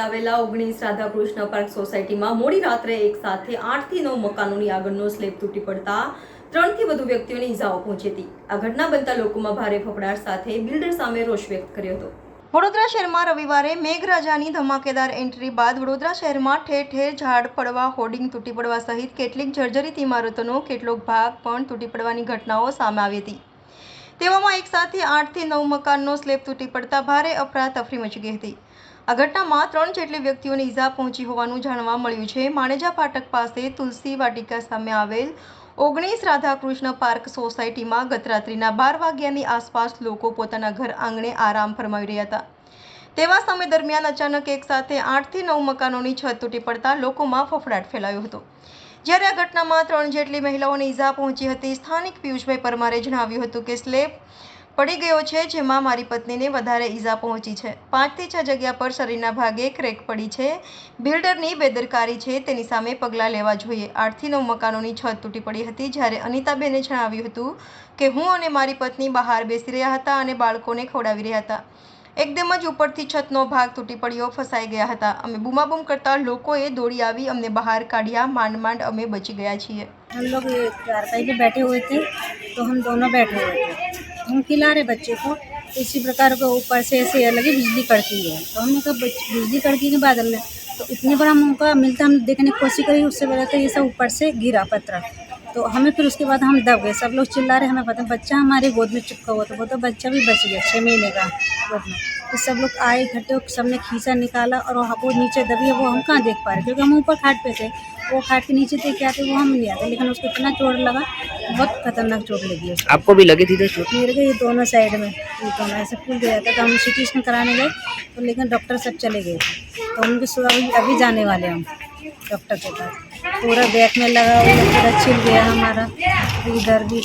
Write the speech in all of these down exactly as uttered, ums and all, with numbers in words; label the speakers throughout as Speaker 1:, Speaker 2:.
Speaker 1: આવેલા ઓગણીસ રાધાકૃષ્ણ પાર્ક સોસાયટીમાં મોડી રાત્રે એક સાથે આઠ થી નવ મકાનોની આગળનો સ્લેબ તૂટી પડતા ત્રણ થી વધુ વ્યક્તિઓને ઈજાઓ પહોંચી હતી। આ ઘટના બનતા લોકોમાં ભારે ફફડાટ સાથે બિલ્ડર સામે રોષ વ્યક્ત કર્યો હતો। વડોદરા શહેરમાં રવિવારે મેઘરાજાની ધમાકેદાર એન્ટ્રી બાદ વડોદરા શહેરમાં ઠેર ઠેર ઝાડ પડવા, હોર્ડિંગ તૂટી પડવા સહિત કેટલીક જર્જરિત ઇમારતોનો કેટલોક ભાગ પણ તૂટી પડવાની ઘટનાઓ સામે આવી હતી। તેવામાં એક સાથે આઠ થી નવ મકાનનો સ્લેબ તૂટી પડતા ભારે અફરાતફરી મચી ગઈ હતી। આ ઘટનામાં ત્રણ જેટલી વ્યક્તિઓને ઈજા પહોંચી હોવાનું જાણવા મળ્યું છે। માણેજા ફાટક પાસે તુલસી વાટિકા સામે આવેલ ઓગણીસ રાધાકૃષ્ણ પાર્ક સોસાયટીમાં ગત રાત્રિના બાર વાગ્યાની આસપાસ લોકો પોતાના ઘર આંગણે આરામ ફરમાવી રહ્યા હતા। તેવા સમય દરમિયાન અચાનક એક સાથે આઠ થી નવ મકાનોની છત તૂટી પડતા લોકોમાં ફફડાટ ફેલાયો હતો। જ્યારે આ ઘટનામાં ત્રણ જેટલી મહિલાઓને ઈજા પહોંચી હતી। સ્થાનિક પિયુષભાઈ પરમારે જણાવ્યું હતું કે સ્લેબ પડી ગયો છે, જેમાં મારી પત્નીને વધારે ઈજા પહોંચી છે। પાંચથી છ જગ્યા પર શરીરના ભાગે ક્રેક પડી છે। બિલ્ડરની બેદરકારી છે, તેની સામે પગલાં લેવા જોઈએ। આઠથી નવ મકાનોની છત તૂટી પડી હતી। જ્યારે અનિતાબેને જણાવ્યું હતું કે હું અને મારી પત્ની બહાર બેસી રહ્યા હતા અને બાળકોને ખવડાવી રહ્યા હતા। એકદમ જ ઉપરથી છતનો ભાગ તૂટી પડ્યો, ફસાઈ ગયા હતા। અમે બૂમાબૂમ કરતા લોકોએ દોડી આવી અમને બહાર કાઢ્યા। માંડ માંડ અમે બચી ગયા છીએ।
Speaker 2: हम लोग चारपाई पे बैठे हुए थे तो हम दोनों बैठे हुए थे, हम खिला रहे बच्चे को। इसी प्रकार को ऊपर से ऐसे लगी बिजली कड़की है, तो हमने कहा बिजली कड़की के बादल में तो इतने बड़ा हम उनका मिलता, हम देखने की कोशिश करी, उससे बड़ा तो ये सब ऊपर से गिरा पत्थर। तो हमें फिर उसके बाद हम दब गए, सब लोग चिल्ला रहे, हमें पता बच्चा हमारे गोद में चिपका हुआ था, वो तो बच्चा भी बच गया छः महीने का गोद में। तो सब लोग आए इकट्ठे, सबने खींचा निकाला और वो नीचे दबी है, वो हम कहाँ देख पा रहे क्योंकि हम ऊपर खाट पे थे। वो खाट के नीचे थे क्या थे वो हम नहीं आते, लेकिन उसको इतना चोट लगा, बहुत खतरनाक चोट लगी उसको।
Speaker 3: आपको भी लगी थी चोट?
Speaker 2: गिर गई दोनों साइड में, ये दोनों ऐसे फूल गया था। तो हम सिटी स्कैन कराने गए तो लेकिन डॉक्टर सब चले गए थे, तो उनके सुबह अभी जाने वाले हम डॉक्टर के पास। पूरा बैक में लगा हुआ पूरा छिल गया हमारा, इधर भी।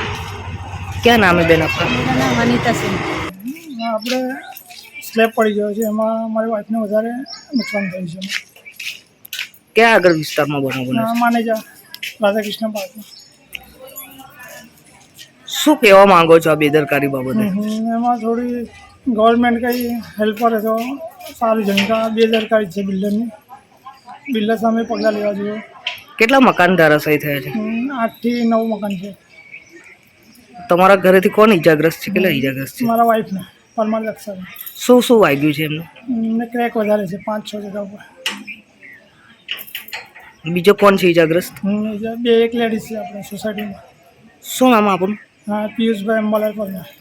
Speaker 3: क्या नाम है बेन आपका?
Speaker 2: मेरा नाम अनिता सिंह।
Speaker 4: આપણે સ્લેબ પડી ગયો છે, એમાં મારી વાઈફને વધારે નુકસાન થયું છે।
Speaker 3: क्या આગળ વિસ્તારમાં બનાવ બન્યો છે?
Speaker 4: માનેજા રાધાકૃષ્ણ પાર્કમાં।
Speaker 3: શું કહેવા માંગો છો આ બેદરકારી બાબતે?
Speaker 4: એમાં થોડી ગવર્મેન્ટ કંઈ હેલ્પ કરે તો સારું છે, કારણ કે બેદરકારી છે બિલ્ડરની। બિલ્ડર સામે પગલાં લેવા જોઈએ।
Speaker 3: કેટલા મકાન ધરાશાયી થયા છે?
Speaker 4: આઠથી નવ મકાન છે।
Speaker 3: તમારા ઘરેથી કોણ ઈજાગ્રસ્ત છે? કેટલા ઈજાગ્રસ્ત છે?
Speaker 4: મારા વાઈફને પરમાર લક્ષણ
Speaker 3: શું શું વાગ્યું છે એમને?
Speaker 4: એમને ક્રેક વધારે છે પાંચ છ જગ્યા ઉપર।
Speaker 3: બીજો કોણ છે ઈજાગ્રસ્ત?
Speaker 4: બે એક લેડીઝ છે આપણે સોસાયટીમાં।
Speaker 3: શું નામ આપણું?
Speaker 4: હા, પિયુષભાઈ અંબાલાલ પરમાર।